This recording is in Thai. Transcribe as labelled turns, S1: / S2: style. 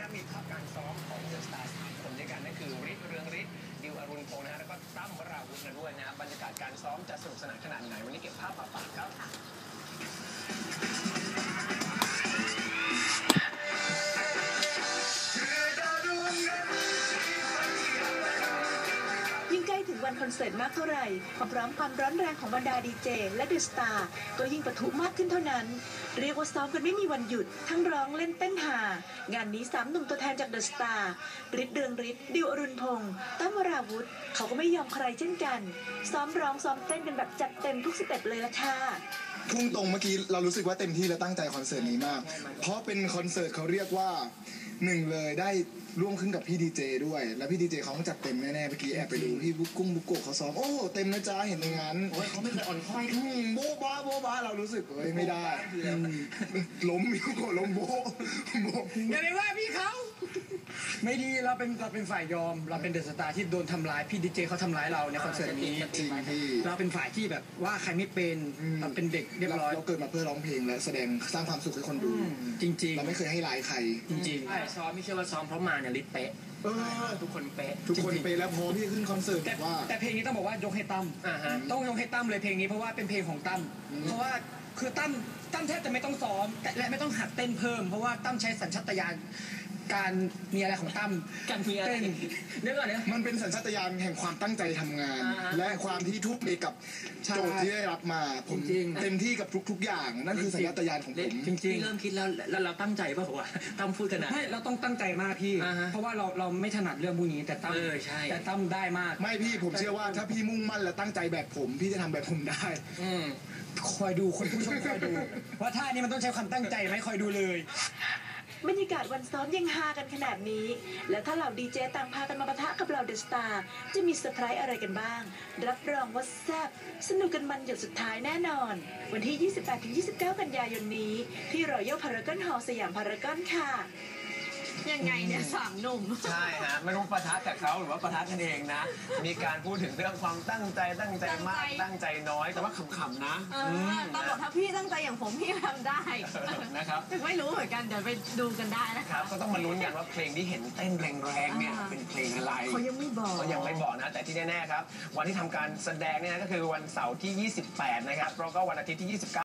S1: มีภาพการซ้อมของเดอะสตาร์3 คนด้วยกันนั่นคือฤทธิ์เรืองฤทธิ์ดิวอรุณพงษ์นะฮะแล้วก็ตั้มวราวุธนะด้วยนะครับบรรยากาศการซ้อมจะสนุกสนานขนาดไหนวันนี้เก็บภาพมาฝากครับ
S2: ยิ่งใกล้ถึงวันคอนเสิร์ตมากเท่าไหร่ความพร้อมความร้อนแรงของบรรดาดีเจและเดอะสตาร์ก็ยิ่งปะทุมากขึ้นเท่านั้นเรียกว่าซ้อมกันไม่มีวันหยุดทั้งร้องเล่นเต้นหางานนี้3 หนุ่มตัวแทนจากเดอะสตาร์ฤทธิ์เรืองฤทธิ์ดิวอรุณพงษ์ตั้มวราวุธเขาก็ไม่ยอมใครเช่นกันซ้อมร้องซ้อมเต้นกันแบบจัดเต็มทุกสเต็ปเลยละค่ะ
S3: พุ่งตรงเมื่อกี้เรารู้สึกว่าเต็มที่และตั้งใจคอนเสิร์ตนี้มากเพราะเป็นคอนเสิร์ตเขาเรียกว่า1เลยได้ร่วมขึ้นกับพี่ดีเจด้วยแล้วพี่ดีเจเขาต้องจัดเต็มแน่ๆเมื่อกี้แอบไปดูพี่บุกกุ้งบุกโกะเขาซ้อมโอ้เต็มนะจ๊ะเห็นอย่างนั้น
S1: เขาไม่เคยอ่อนค่อย
S3: โบ๊ะบ้าโบ๊ะบ้าเรารู้สึกไม่ได้ล้มพี่บุกโกะล้มโบ๊ะ
S4: อย่าไปว่าพี่เขาไม่ดีเราเป็นฝ่ายยอมเราเป็นเดอะสตาร์ที่โดนทำร้ายพี่ดีเจเขาทำร้ายเราในคอนเสิร์ตนี้
S3: จริงพี่
S4: เราเป็นฝ่ายที่แบบว่าใครไม่เป็นเราเป็นเด็กเรียบร้อย
S3: เราเกิดมาเพื่อร้องเพลงและแสดงสร้างความสุขให้คนดู
S4: จริงๆ
S3: เราไม่เคยให้ร้ายใคร
S4: จริง
S1: ๆซ้อมไม่เชื่อว่าซ้อมเพราะมาเนี่ยลิเป๊ะทุกคนเป๊ะ
S3: แล้วพอพี่ขึ้นคอนเสิร์ตว่า
S4: แต่เพลงนี้ต้องบอกว่ายกให้ตั้มต้องยกให้ตั้มเลยเพลงนี้เพราะว่าเป็นเพลงของตั้มเพราะว่าคือตั้มแทบจะไม่ต้องซ้อมและไม่ต้องหัดเต้นเพิ่มเพราะว่าตั้มใช้สัญชาตญาณการมีอะไรของตั้ม
S1: การมีอะไร
S4: เรื่องอะไร
S3: มันเป็นสัญชาตญาณแห่งความตั้งใจทำงานและความที่ทุ่มเทกับโจทย์ที่ได้รับมาผมเต็มที่กับทุกอย่างนั่นคือสัญชาตญาณของผม
S1: จริงๆเริ่มคิดแล้วเราตั้งใจป่ะวะตั้มพูดขนาด
S4: ไม่เราต้องตั้งใจมากพี่เพราะว่าเราไม่ถนัดเรื่องพวกนี้แต่ตั้มแต่ตั้มได้มาก
S3: ไม่พี่ผมเชื่อว่าถ้าพี่มุ่งมั่นและตั้งใจแบบผมพี่จะทำแบบผมได้
S4: คอยดูคนผู้ชมคอยดูว่าท่านี้มันต้องใช้ความตั้งใจไหมคอยดูเลย
S2: บรรยากาศวันซ้อมยังฮากันขนาดนี้แล้วถ้าเหล่าดีเจต่างพากันมาปะทะกับเหล่าเดอะสตาร์จะมีเซอร์ไพรส์อะไรกันบ้างรับรองว่าแซ่บสนุกกันมันหยดสุดท้ายแน่นอนวันที่ 28-29 กันยายนนี้ที่รอยัลพารากอนฮอลล์สยามพารากอนค่ะ
S5: ยังไงเนี่ย3 หนุ่ม
S1: ใช่ฮะไม่รู้ปะทะกับเขาหรือว่าปะทะกันเองนะมีการพูดถึงเรื่องความตั้งใจมากตั้งใจน้อยแต่ว่าขำๆนะ
S5: ตลอดถ้าพี่ตั้งใจอย่างผมพี่ทำได้
S1: นะครับ
S5: ไม่รู้เหมือนกันเดี๋ยวไปดูกันได้นะครับ
S1: ก็ต้องมาลุ้นกันว่าเพลงที่เห็นเต้นแรงๆเนี่ยเป็นเพลงอะไร
S5: เขายังไม่
S1: บอกนะแต่ที่แน่ๆครับวันที่ทำการแสดงเนี่ยก็คือวันเสาร์ที่ 28 นะครับแล้วก็วันอาทิตย์ที่ 29